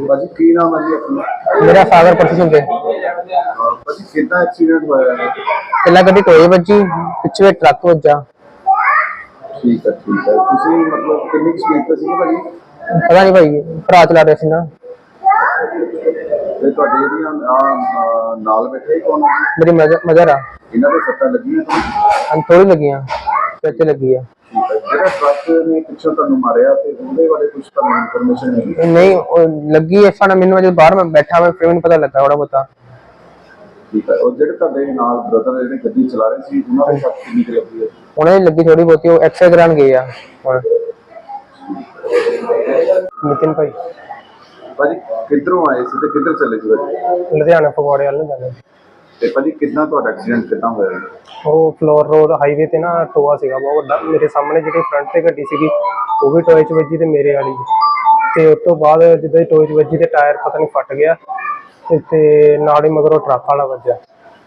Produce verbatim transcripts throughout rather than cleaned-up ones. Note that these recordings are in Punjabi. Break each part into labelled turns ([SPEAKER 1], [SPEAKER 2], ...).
[SPEAKER 1] भाजी की नाम है जी अपना?
[SPEAKER 2] मेरा सागर परसों के
[SPEAKER 1] भाजी कितना एक्सीडेंट होया है?
[SPEAKER 2] पहला गड्डी टोए बजी पिछे ट्रक वजा।
[SPEAKER 1] ठीक है ठीक है तुसी मतलब कितनी स्पीड पे सी भाजी?
[SPEAKER 2] पता नहीं भाई भरा चला रहे सी ना।
[SPEAKER 1] ते ਤੁਹਾਡੇ ਜਿਹੜੀਆਂ ਆ ਨਾਲ ਬੈਠੇ ਕੌਣ ਹੈ?
[SPEAKER 2] मेरी मदर मदर आ
[SPEAKER 1] ਇਹਨਾਂ ਦੇ ਸੱਟਾਂ ਲੱਗੀਆਂ ਤੁਹਾਨੂੰ?
[SPEAKER 2] थोड़ी लगी पैसे लगी है।
[SPEAKER 1] ਜਿਹੜਾ ਟਰੱਕ ਨੇ ਪਿੱਛੋਂ ਤੁਹਾਨੂੰ ਮਾਰਿਆ ਤੇ ਉਹਦੇ ਬਾਰੇ ਕੁਝ ਤੁਹਾਨੂੰ ਇਨਫੋਰਮੇਸ਼ਨ ਨਹੀਂ?
[SPEAKER 2] नहीं वो लगी है साना मैंने जो बाहर में बैठा मैं फिर मैंने पता लगा थोड़ा बता।
[SPEAKER 1] ठीक है और ਜਿਹੜੇ ਤੁਹਾਡੇ ਨਾਲ ਬ੍ਰਦਰ ਜਿਹੜੇ ਗੱਡੀ ਚਲਾ ਰਹੇ ਸੀ ਉਹਨਾਂ ਦੇ ਸੱਟ ਕਿੰਨੀ ਕੁ ਲੱਗੀ ਹੈ?
[SPEAKER 2] उन्हें लगी थोड़ी बहुत वो एक्सरे कराने गए आ। नितिन भाई
[SPEAKER 1] ਭਾਜੀ ਕਿੱਧਰੋਂ ਆਏ ਸੀ ਤੇ ਕਿੱਧਰ ਚੱਲੇ ਸੀ ਭਾਜੀ?
[SPEAKER 2] लुधियाना फगवाड़े वाले जाने।
[SPEAKER 1] ਤੇ ਭਾਜੀ ਕਿੰਨਾ ਤੁਹਾਡਾ ਐਕਸੀਡੈਂਟ ਕਿੱਦਾਂ ਹੋਇਆ?
[SPEAKER 2] ਉਹ ਫਲੋਰ ਰੋਡ ਹਾਈਵੇ ਤੇ ਨਾ ਟੋਆ ਸੀਗਾ ਬਹੁਤ ਵੱਡਾ, ਮੇਰੇ ਸਾਹਮਣੇ ਜਿਹੜੀ ਫਰੰਟ ਤੇ ਗੱਡੀ ਸੀਗੀ ਉਹ ਵੀ ਟੋਏ 'ਚ ਵੱਜੀ ਤੇ ਮੇਰੇ ਵਾਲੀ ਤੇ ਉਸ ਤੋਂ ਬਾਅਦ ਜਿੱਦਾਂ ਹੀ ਟੋਏ 'ਚ ਵੱਜੀ ਤੇ ਟਾਇਰ ਪਤਾ ਨਹੀਂ ਫਟ ਗਿਆ ਤੇ ਤੇ ਨਾਲ ਹੀ ਮਗਰੋਂ ਟਰੱਕ ਵਾਲਾ ਵੱਜਿਆ।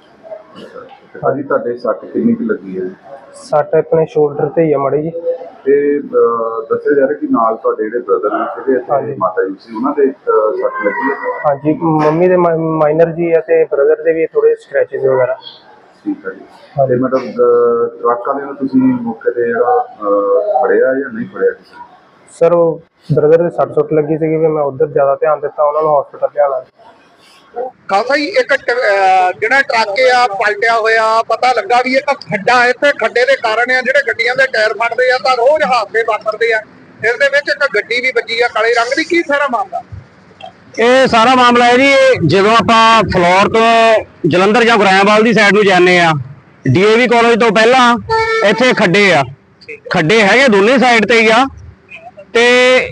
[SPEAKER 1] ਭਾਜੀ ਤੁਹਾਡੇ ਸੱਟ ਕਿੰਨੀ ਕੁ ਲੱਗੀ ਹੈ?
[SPEAKER 2] ਸੱਟ ਆਪਣੇ ਸ਼ੋਲਡਰ ਤੇ ਹੀ ਆ ਮਾੜੀ ਜੀ।
[SPEAKER 1] ਤੇ ਦੱਸਿਆ ਜਾ ਰਿਹਾ ਕਿ ਨਾਲ ਤੁਹਾਡੇ ਜਿਹੜੇ ਬ੍ਰਦਰ ਨੇ ਜਿਹੜੇ ਮਾਤਾ ਜੀ ਸੀ ਉਹਨਾਂ ਦੇ ਸੱਟ ਲੱਗੀ ਹੈ?
[SPEAKER 2] ਹਾਂਜੀ ਮੰਮੀ ਦੇ ਮਾਈਨਰ ਜੀ ਆ ਤੇ ਬ੍ਰਦਰ ਦੇ ਵੀ ਥੋੜੇ ਸਕ੍ਰੈਚਸ ਵਗੈਰਾ।
[SPEAKER 1] ਠੀਕ ਹੈ ਜੀ ਤੇ ਮਤਲਬ ਟਰੱਕ ਵਾਲੇ ਨੂੰ ਤੁਸੀਂ ਮੌਕੇ ਤੇ ਜਿਹੜਾ ਫੜਿਆ ਜਾਂ ਨਹੀਂ ਫੜਿਆ?
[SPEAKER 2] ਸਰ ਉਹ ਬ੍ਰਦਰ ਦੇ ਸੱਟ ਸੁੱਟ ਲੱਗੀ ਸੀਗੀ ਵੀ ਮੈਂ ਉੱਧਰ ਜ਼ਿਆਦਾ ਧਿਆਨ ਦਿੱਤਾ, ਉਹਨਾਂ ਨੂੰ ਹਸਪੀਟਲ ਲਿਆਉਣਾ।
[SPEAKER 3] ਖਾਸਾ ਹੀ ਇੱਕ ਜਿਹੜਾ ਟਰੱਕ ਆ ਪਲਟਿਆ ਹੋਇਆ ਪਤਾ ਲੱਗਾ ਵੀ ਇੱਕ ਖੱਡਾ ਹੈ ਤੇ ਖੱਡੇ ਦੇ ਕਾਰਨ ਆ ਜਿਹੜੇ ਗੱਡੀਆਂ ਦੇ ਟਾਇਰ ਫਟਦੇ ਆ ਤਾਂ ਰੋਜ਼ ਹਾਦਸੇ ਵਾਪਰਦੇ ਆ। ਇਸ ਦੇ ਵਿੱਚ ਇੱਕ ਗੱਡੀ ਵੀ ਵੱਜੀ ਆ ਕਾਲੇ ਰੰਗ ਦੀ। ਕੀ ਸਾਰਾ ਮਾਮਲਾ?
[SPEAKER 4] ਇਹ ਸਾਰਾ ਮਾਮਲਾ ਹੈ ਜੀ ਜਦੋਂ ਆਪਾਂ ਫਲੋਰ ਤੋਂ ਜਲੰਧਰ ਜਾਂ ਗੁਰਾਇਆਂਵਾਲ ਦੀ ਸਾਈਡ ਨੂੰ ਜਾਂਦੇ ਆ ਡੀਏਵੀ ਕਾਲਜ ਤੋਂ ਪਹਿਲਾਂ ਇੱਥੇ ਖੱਡੇ ਆ, ਖੱਡੇ ਹੈਗੇ ਦੋਨੇ ਸਾਈਡ ਤੇ ਹੀ ਆ ਤੇ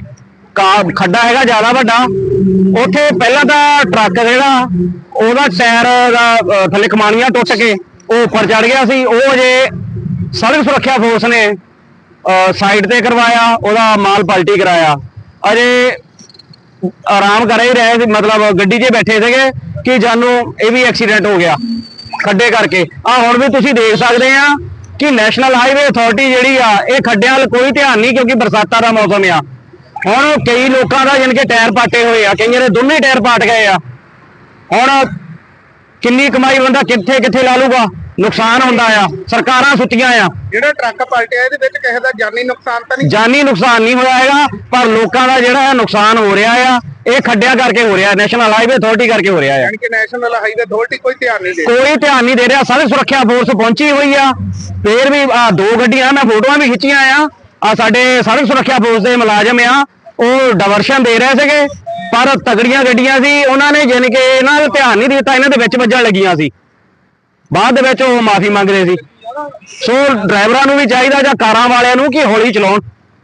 [SPEAKER 4] ਖੱਡਾ ਹੈਗਾ ਜ਼ਿਆਦਾ ਵੱਡਾ। ਉੱਥੇ ਪਹਿਲਾਂ ਤਾਂ ਟਰੱਕ ਜਿਹੜਾ ਉਹਦਾ ਟਾਇਰ ਦਾ ਥੱਲੇ ਕਮਾਨੀਆਂ ਟੁੱਟ ਕੇ ਉਹ ਉੱਪਰ ਚੜ ਗਿਆ ਸੀ। ਉਹ ਅਜੇ ਸੜਕ ਸੁਰੱਖਿਆ ਫੋਰਸ ਨੇ ਸਾਈਡ ਤੇ ਕਰਵਾਇਆ, ਉਹਦਾ ਮਾਲ ਪਲਟੀ ਕਰਾਇਆ। ਅਜੇ ਆਰਾਮ ਕਰ ਹੀ ਰਹੇ ਸੀ, ਮਤਲਬ ਗੱਡੀ 'ਚ ਬੈਠੇ ਸੀਗੇ ਕਿ ਜਾਨੂੰ ਇਹ ਵੀ ਐਕਸੀਡੈਂਟ ਹੋ ਗਿਆ ਖੱਡੇ ਕਰਕੇ। ਆ ਹੁਣ ਵੀ ਤੁਸੀਂ ਦੇਖ ਸਕਦੇ ਆ ਕਿ ਨੈਸ਼ਨਲ ਹਾਈਵੇ ਅਥਾਰਟੀ ਜਿਹੜੀ ਆ ਇਹ ਖੱਡਿਆਂ ਵੱਲ ਕੋਈ ਧਿਆਨ ਨਹੀਂ, ਕਿਉਂਕਿ ਬਰਸਾਤਾਂ ਦਾ ਮੌਸਮ ਆ। ਹੁਣ ਕਈ ਲੋਕਾਂ ਦਾ ਜਾਣੀ ਕਿ ਟਾਇਰ ਪਾਟੇ ਹੋਏ ਆ, ਕਈਆਂ ਦੇ ਦੋਨੇ ਟਾਇਰ ਪਾਟ ਗਏ ਆ। ਹੁਣ ਕਿੰਨੀ ਕਮਾਈ ਬੰਦਾ ਕਿੱਥੇ ਕਿੱਥੇ ਲਾ ਲੂਗਾ, ਨੁਕਸਾਨ ਹੁੰਦਾ ਆ, ਸਰਕਾਰਾਂ ਸੁੱਤੀਆਂ ਆ।
[SPEAKER 3] ਜਿਹੜਾ ਟਰੱਕ ਪਲਟਿਆ ਇਹਦੇ ਵਿੱਚ ਕਿਸੇ ਦਾ ਜਾਨੀ ਨੁਕਸਾਨ ਤਾਂ ਨਹੀਂ?
[SPEAKER 4] ਜਾਨੀ ਨੁਕਸਾਨ ਨਹੀਂ ਹੋਇਆ ਹੈਗਾ, ਪਰ ਲੋਕਾਂ ਦਾ ਜਿਹੜਾ ਨੁਕਸਾਨ ਹੋ ਰਿਹਾ ਆ ਇਹ ਖੱਡਿਆਂ ਕਰਕੇ ਹੋ ਰਿਹਾ, ਨੈਸ਼ਨਲ ਹਾਈਵੇ ਅਥਾਰਟੀ ਕਰਕੇ ਹੋ ਰਿਹਾ ਆ।
[SPEAKER 3] ਯਾਨੀ ਕਿ ਨੈਸ਼ਨਲ ਹਾਈਵੇ ਅਥਾਰਟੀ ਕੋਈ ਧਿਆਨ ਨਹੀਂ ਦੇ
[SPEAKER 4] ਕੋਈ ਧਿਆਨ ਨਹੀਂ ਦੇ ਰਿਹਾ। ਸੜਕ ਸੁਰੱਖਿਆ ਫੋਰਸ ਪਹੁੰਚੀ ਹੋਈ ਆ, ਫੇਰ ਵੀ ਆ ਦੋ ਗੱਡੀਆਂ ਮੈਂ ਫੋਟੋਆਂ ਵੀ ਖਿੱਚੀਆਂ ਆ। ਆ ਸਾਡੇ ਸੜਕ ਸੁਰੱਖਿਆ ਫੋਰਸ ਦੇ ਮੁਲਾਜ਼ਮ ਆ, ਉਹ ਡਾਇਵਰਸ਼ਨ ਦੇ ਰਹੇ ਸੀਗੇ ਪਰ ਤਗੜੀਆਂ ਗੱਡੀਆਂ ਸੀ, ਉਹਨਾਂ ਨੇ ਜਾਣੀ ਕਿ ਇਹਨਾਂ ਦਾ ਧਿਆਨ ਨਹੀਂ ਦਿੱਤਾ, ਇਹਨਾਂ ਦੇ ਵਿੱਚ ਵੱਜਣ ਲੱਗੀਆਂ ਸੀ। ਬਾਅਦ ਦੇ ਵਿੱਚ ਉਹ ਮਾਫੀ ਮੰਗ ਰਹੇ ਸੀ। ਸੋ ਡਰਾਈਵਰਾਂ ਨੂੰ ਵੀ ਚਾਹੀਦਾ ਜਾਂ ਕਾਰਾਂ ਵਾਲਿਆਂ ਨੂੰ ਕਿ ਹੌਲੀ ਚਲਾਉਣ।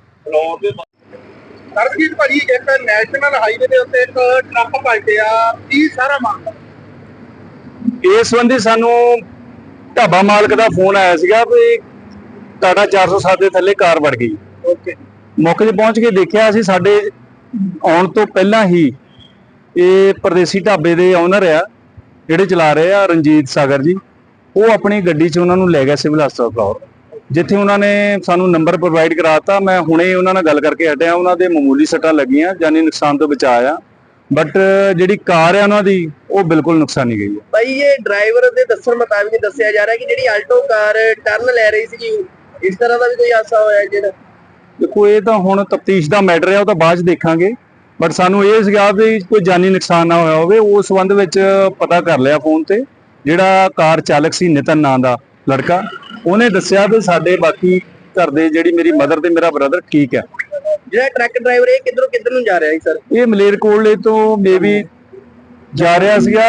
[SPEAKER 3] ਸਰਜੀਤ ਭਾਜੀ ਇੱਕ ਨੈਸ਼ਨਲ ਹਾਈਵੇ ਦੇ ਉੱਤੇ ਇੱਕ ਟਰੱਕ ਪਲਟਿਆ, ਕੀ ਸਾਰਾ ਮਾਮਲਾ?
[SPEAKER 5] ਇਸ ਸੰਬੰਧੀ ਸਾਨੂੰ ਢਾਬਾ ਮਾਲਕ ਦਾ ਫੋਨ ਆਇਆ ਸੀਗਾ ਵੀ ਟਾਟਾ ਚਾਰ ਸੌ ਸੱਤ ਦੇ ਥੱਲੇ ਕਾਰ ਵੜ ਗਈ।
[SPEAKER 3] ਓਕੇ,
[SPEAKER 5] ਮੌਕੇ 'ਤੇ ਪਹੁੰਚ ਕੇ ਦੇਖਿਆ ਅਸੀਂ, ਸਾਡੇ ਆਉਣ ਤੋਂ ਪਹਿਲਾਂ ਹੀ ਇਹ ਪਰਦੇਸੀ ਢਾਬੇ ਦੇ ਓਨਰ ਆ ਜਿਹੜੇ ਚਲਾ ਰਹੇ ਆ ਰਣਜੀਤ ਸਾਗਰ ਜੀ, ਉਹ ਆਪਣੀ ਗੱਡੀ 'ਚ ਉਹਨਾਂ ਨੂੰ ਲੈ ਗਿਆ ਸਿਵਲ ਹਸਪਤਾਲ ਫਲੋਰ, ਜਿੱਥੇ ਉਹਨਾਂ ਨੇ ਸਾਨੂੰ ਨੰਬਰ ਪ੍ਰੋਵਾਈਡ ਕਰਾਤਾ। ਮੈਂ ਹੁਣੇ ਉਹਨਾਂ ਨਾਲ ਗੱਲ ਕਰਕੇ ਹਟਿਆ, ਉਹਨਾਂ ਦੇ ਮਾਮੂਲੀ ਸੱਟਾਂ ਲੱਗੀਆਂ, ਜਾਨੀ ਨੁਕਸਾਨ ਤੋਂ ਬਚਾਅ ਆ, ਬਟ ਜਿਹੜੀ ਕਾਰ ਆ ਉਹਨਾਂ ਦੀ ਉਹ ਬਿਲਕੁਲ ਨੁਕਸਾਨੀ ਗਈ ਹੈ।
[SPEAKER 6] ਭਾਈ ਇਹ ਡਰਾਈਵਰ ਦੇ ਦੱਸਣ ਮੁਤਾਬਿਕ ਦੱਸਿਆ ਜਾ ਰਿਹਾ ਕਿ ਜਿਹੜੀ ਆਲਟੋ ਕਾਰ ਟਰਨ ਲੈ ਰਹੀ ਸੀ, ਇਸ ਤਰ੍ਹਾਂ ਦਾ ਵੀ ਕੋਈ ਹਾਦਸਾ ਹੋਇਆ ਜਿਹੜਾ?
[SPEAKER 5] ਦੇਖੋ ਇਹ ਤਾਂ ਹੁਣ ਤਫਤੀਸ਼ ਦਾ ਮੈਟਰ ਹੈ, ਉਹ ਤਾਂ ਬਾਅਦ 'ਚ ਦੇਖਾਂਗੇ, ਬਟ ਸਾਨੂੰ ਇਹ ਸੀਗਾ ਵੀ ਕੋਈ ਜਾਨੀ ਨੁਕਸਾਨ ਨਾ ਹੋਇਆ ਹੋਵੇ। ਉਸ ਸੰਬੰਧ ਵਿੱਚ ਪਤਾ ਕਰ ਲਿਆ ਫੋਨ ਤੇ, ਜਿਹੜਾ ਕਾਰ ਚਾਲਕ ਸੀ ਨਿਤਨ ਨਾਂ ਦਾ ਲੜਕਾ, ਉਹਨੇ ਦੱਸਿਆ ਵੀ ਸਾਡੇ ਬਾਕੀ ਘਰ ਦੇ ਜਿਹੜੀ ਮੇਰੀ ਮਦਰ ਤੇ ਮੇਰਾ ਬ੍ਰਦਰ ਠੀਕ ਹੈ।
[SPEAKER 6] ਜਿਹੜਾ ਟਰੱਕ ਡਰਾਈਵਰ ਇਹ ਕਿੱਧਰੋਂ ਕਿੱਧਰ ਨੂੰ ਜਾ ਰਿਹਾ ਸੀ ਸਰ?
[SPEAKER 5] ਇਹ ਮਲੇਰਕੋਟਲੇ ਤੋਂ ਮੇਬੀ ਜਾ ਰਿਹਾ ਸੀਗਾ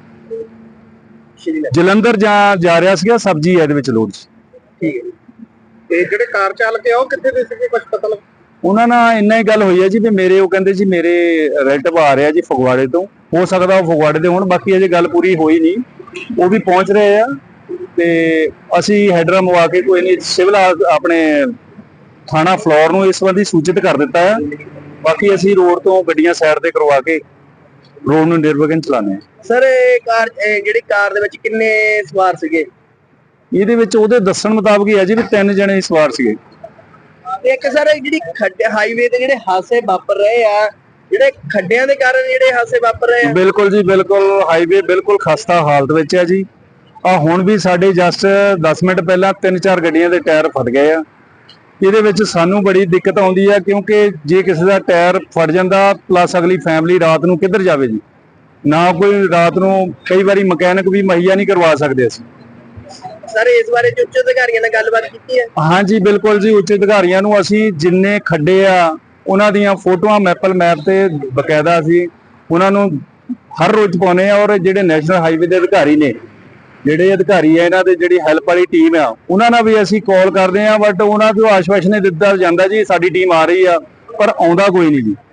[SPEAKER 5] ਜਲੰਧਰ, ਜਾਂ ਜਾ ਰਿਹਾ ਸੀਗਾ ਸਬਜ਼ੀ ਇਹਦੇ ਵਿੱਚ ਲੋਡ ਸੀ।
[SPEAKER 3] ਠੀਕ ਹੈ। ਤੇ ਜਿਹੜੇ ਕਾਰ ਚਾਲਕ ਆ ਉਹ ਕਿੱਥੇ ਦੇ ਸੀਗੇ, ਕੁਝ ਪਤਾ ਲੱਗ?
[SPEAKER 5] ਉਹਨਾਂ ਨਾਲ ਇੰਨਾ ਹੀ ਗੱਲ ਹੋਈ ਹੈ ਜੀ ਵੀ ਮੇਰੇ, ਉਹ ਕਹਿੰਦੇ ਜੀ ਮੇਰੇ ਰਿਲੇਟਿਵ ਆ ਰਿਹਾ ਜੀ ਫਗਵਾੜੇ ਤੋਂ, ਹੋ ਸਕਦਾ ਉਹ ਫਗਵਾੜੇ ਦੇ ਹੋਣ, ਬਾਕੀ ਅਜੇ ਗੱਲ ਪੂਰੀ ਹੋਈ ਨਹੀਂ, ਉਹ ਵੀ ਪਹੁੰਚ ਰਹੇ ਆ ਤੇ ਅਸੀਂ ਹੈਡਰਾ ਮਵਾ ਕੇ ਕੋਈ ਨਹੀਂ ਸਿਵਲ ਆਪਣੇ ਥਾਣਾ ਫਲੋਰ ਨੂੰ ਇਸ ਸੰਬੰਧੀ ਸੂਚਿਤ ਕਰ ਦਿੱਤਾ ਹੈ। ਬਾਕੀ ਅਸੀਂ ਰੋਡ ਤੋਂ ਗੱਡੀਆਂ ਸਾਈਡ ਤੇ ਕਰਵਾ ਕੇ ਰੋਡ ਨੂੰ ਨਿਰਵਿਘਨ ਚਲਾਉਂਦੇ ਹਾਂ।
[SPEAKER 6] ਸਰ ਇਹ ਕਾਰ ਜਿਹੜੀ ਕਾਰ ਦੇ ਵਿੱਚ ਕਿੰਨੇ ਸਵਾਰ ਸੀਗੇ?
[SPEAKER 5] ਇਹਦੇ ਵਿੱਚ ਉਹਦੇ ਦੱਸਣ ਮੁਤਾਬਕ ਹੀ ਹੈ ਜੀ ਵੀ ਤਿੰਨ ਜਣੇ ਸਵਾਰ ਸੀਗੇ।
[SPEAKER 6] ਤੇ ਇੱਕ ਸਰ ਜਿਹੜੀ ਖੱਡੇ ਹਾਈਵੇ ਤੇ ਜਿਹੜੇ ਹਾਦਸੇ ਵਾਪਰ ਰਹੇ ਆ, ਜਿਹੜੇ ਖੱਡਿਆਂ ਦੇ ਕਾਰਨ ਜਿਹੜੇ ਹਾਦਸੇ ਵਾਪਰ ਰਹੇ ਆ।
[SPEAKER 5] ਬਿਲਕੁਲ ਜੀ ਬਿਲਕੁਲ, ਹਾਈਵੇ ਬਿਲਕੁਲ ਖਸਤਾ ਹਾਲਤ ਵਿੱਚ ਹੈ ਜੀ। ਆ ਹੁਣ ਵੀ ਸਾਡੇ ਜਸਟ ਦਸ ਮਿੰਟ ਪਹਿਲਾਂ ਤਿੰਨ ਚਾਰ ਗੱਡੀਆਂ ਦੇ ਟਾਇਰ ਫਟ ਗਏ ਆ। ਇਹਦੇ ਵਿੱਚ ਸਾਨੂੰ ਬੜੀ ਦਿੱਕਤ ਆਉਂਦੀ ਆ, ਕਿਉਂਕਿ ਜੇ ਕਿਸੇ ਦਾ ਟਾਇਰ ਫਟ ਜਾਂਦਾ ਪਲੱਸ ਅਗਲੀ ਫੈਮਿਲੀ ਰਾਤ ਨੂੰ ਕਿੱਧਰ ਜਾਵੇ ਜੀ। ਨਾ ਕੋਈ ਰਾਤ ਨੂੰ ਕਈ ਵਾਰੀ ਮਕੈਨਿਕ ਵੀ ਮੁਹੱਈਆ ਨਹੀਂ ਕਰਵਾ ਸਕਦੇ ਅਸੀਂ।
[SPEAKER 6] ਸਰ ਇਸ ਬਾਰੇ ਉੱਚ ਅਧਿਕਾਰੀਆਂ ਨਾਲ ਗੱਲਬਾਤ ਕੀਤੀ ਹੈ?
[SPEAKER 5] ਹਾਂਜੀ ਬਿਲਕੁਲ ਜੀ, ਉੱਚ ਅਧਿਕਾਰੀਆਂ ਨੂੰ ਅਸੀਂ ਜਿੰਨੇ ਖੱਡੇ ਆ ਉਹਨਾਂ ਦੀਆਂ ਫੋਟੋਆਂ ਮੈਪਲ ਮੈਪ ਤੇ ਬਕਾਇਦਾ ਅਸੀਂ ਉਹਨਾਂ ਨੂੰ ਹਰ ਰੋਜ਼ ਪਾਉਂਦੇ ਆ। ਔਰ ਜਿਹੜੇ ਨੈਸ਼ਨਲ ਹਾਈਵੇ ਦੇ ਅਧਿਕਾਰੀ ਨੇ, ਜਿਹੜੇ ਅਧਿਕਾਰੀ ਆ ਇਹਨਾਂ ਦੇ ਜਿਹੜੀ ਹੈਲਪ ਵਾਲੀ ਟੀਮ ਆ, ਉਹਨਾਂ ਨਾਲ ਵੀ ਅਸੀਂ ਕਾਲ ਕਰਦੇ ਆ, ਬਟ ਉਹਨਾਂ ਤੋਂ ਆਸ਼ਵਾਸਨ ਦਿੱਤਾ ਜਾਂਦਾ ਜੀ ਸਾਡੀ ਟੀਮ ਆ ਰਹੀ ਆ, ਪਰ ਆਉਂਦਾ ਕੋਈ ਨਹੀਂ ਜੀ।